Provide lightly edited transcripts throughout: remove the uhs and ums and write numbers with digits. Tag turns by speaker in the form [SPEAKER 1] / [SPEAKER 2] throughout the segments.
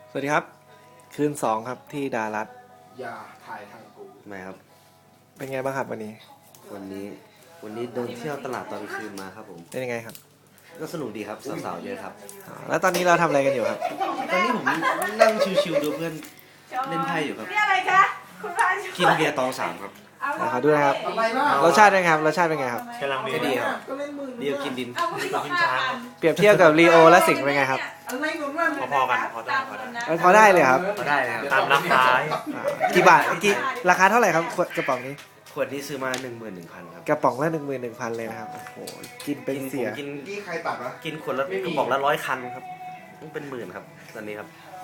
[SPEAKER 1] สวัสดีครับคืน2ครับที่ดารัต
[SPEAKER 2] อย่าถ่ายทางกู
[SPEAKER 3] ไม่ครับ
[SPEAKER 1] เป็นไงบ้างครับวันนี้
[SPEAKER 3] วันนี้เดินเที่ยวตลาดตอนคืนมาครับผม
[SPEAKER 1] เป็นยังไงครับ
[SPEAKER 3] ก็สนุกดีครับสาวๆเยอะครับ
[SPEAKER 1] แล้วตอนนี้เราทำอะไรกันอยู่ครับ
[SPEAKER 3] ตอนนี้ผมนั่งชิวๆดูเพื่อนเล่นไพ่อยู่ครับ
[SPEAKER 4] นี่อะไรคะคุณพาน
[SPEAKER 3] กินเบียร์ตองสามครับ
[SPEAKER 1] ขอดูนะครับ
[SPEAKER 2] อะไรล่ะ
[SPEAKER 1] รสชาติเป็นไงครับรสชาติเป็นไงครับ
[SPEAKER 3] กำลังดีครับ
[SPEAKER 2] ก็เล่นมือ
[SPEAKER 3] เดียวกินดิน
[SPEAKER 4] เอาผู้หญิงบอก5,000
[SPEAKER 1] เปรียบเทียบกับลีโอและสิงห์เป็นไงครับ
[SPEAKER 2] อะไรหนุนนั่น
[SPEAKER 3] พอๆกันพอได้
[SPEAKER 1] พอได้เลยครับ
[SPEAKER 3] พอได้นะครับตามราคา
[SPEAKER 1] กี่บาทราคาเท่าไหร่ครับกระป๋องนี้
[SPEAKER 3] ขวดนี้ซื้อมา 11,000 ครับ
[SPEAKER 1] กระป๋องละ11,000เลยนะครับโอ้โหกินเป็นเสีย
[SPEAKER 3] กิน
[SPEAKER 2] นี่ใครตัดวะ
[SPEAKER 3] กินขวดละกระบอกละ100 คันครับต้องเป็นหมื่นครับตอนนี้ครับ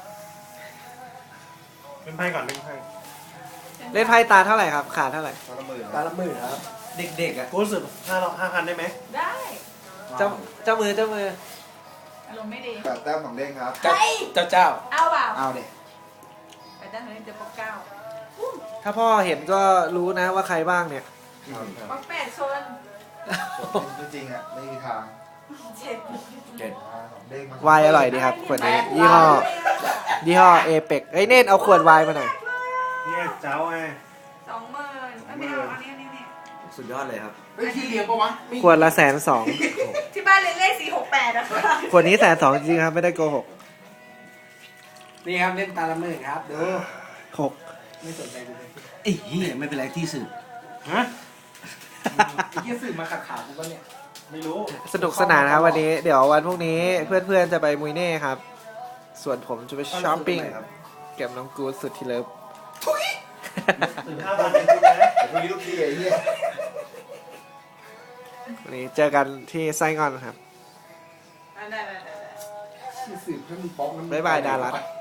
[SPEAKER 5] เป็นไพ่ก่อนเป็นไพ่
[SPEAKER 1] เล่นไพ่ตาเท่าไหร่ครับขาดเท่าไหร่
[SPEAKER 2] ตาละหมื่นครับ
[SPEAKER 3] เด็กๆอ่ะ
[SPEAKER 5] กูรู้สึก5,000ได้ไหม
[SPEAKER 4] ได้
[SPEAKER 1] เจ้ามือ
[SPEAKER 4] อารมณ์ไม่ดี
[SPEAKER 2] แปดแต้มของเด้งครับ
[SPEAKER 4] เฮ้ย
[SPEAKER 1] เจ้า
[SPEAKER 4] เอาเปล่า
[SPEAKER 2] เอาเนี่ย
[SPEAKER 4] ไปตั้งแต่เดี๋ยวปกเก้า
[SPEAKER 1] ถ้าพ่อเห็นก็รู้นะว่าใครบ้างเนี่ย
[SPEAKER 4] ปกแปดโซน
[SPEAKER 2] จริงๆอ่ะไม่มีทาง
[SPEAKER 4] 7
[SPEAKER 2] ของเด้งมัน
[SPEAKER 1] วายอร่อยดีครับขวดนี้ยี่ห้อเอเปกเอ้ยเนตเอาขวดวายมาหน่อย
[SPEAKER 5] เนี่ยเจ้าไง
[SPEAKER 4] 20,000ไม่เอาอันนี้
[SPEAKER 3] สุดยอดเลยครับ
[SPEAKER 2] เฮ้ยที่เดียวปะวะ
[SPEAKER 1] ขวดละ120,000
[SPEAKER 4] ที่บ้านเรียนเลข468นะคะ
[SPEAKER 1] ขวดนี้120,000จริงๆครับไม่ได้โกหก
[SPEAKER 2] นี่ครับเล่นตาละหมื่นครับดู
[SPEAKER 1] 6
[SPEAKER 2] ไม่สนใจกูเลย
[SPEAKER 3] ไอ้เหี้ยไม่เป็นไรที่สื่อ
[SPEAKER 5] ฮะ
[SPEAKER 2] ไอ้เหี้ยสื่อมาขัดขากูปะเนี่ย
[SPEAKER 5] ไม่รู้
[SPEAKER 1] สนุกสนานครับวันนี้เดี๋ยววันพรุ่งนี้เพื่อนๆจะไปมุยเน่ครับ ส่วนผมจะไปช้อปปิ้งเก็บน้องกูดสุดที่เลิฟ
[SPEAKER 5] ถึง5,000เป็นคุณนะ
[SPEAKER 2] แต่พรุ่งนี้ลูกพี่ไอ้เหี้ย
[SPEAKER 1] วันนี้เจอกันที่ไส้งอนครับ
[SPEAKER 4] ได้
[SPEAKER 2] ที่สื่อเพื่อนป๊อกนั้น
[SPEAKER 1] บ๊ายบายดารัต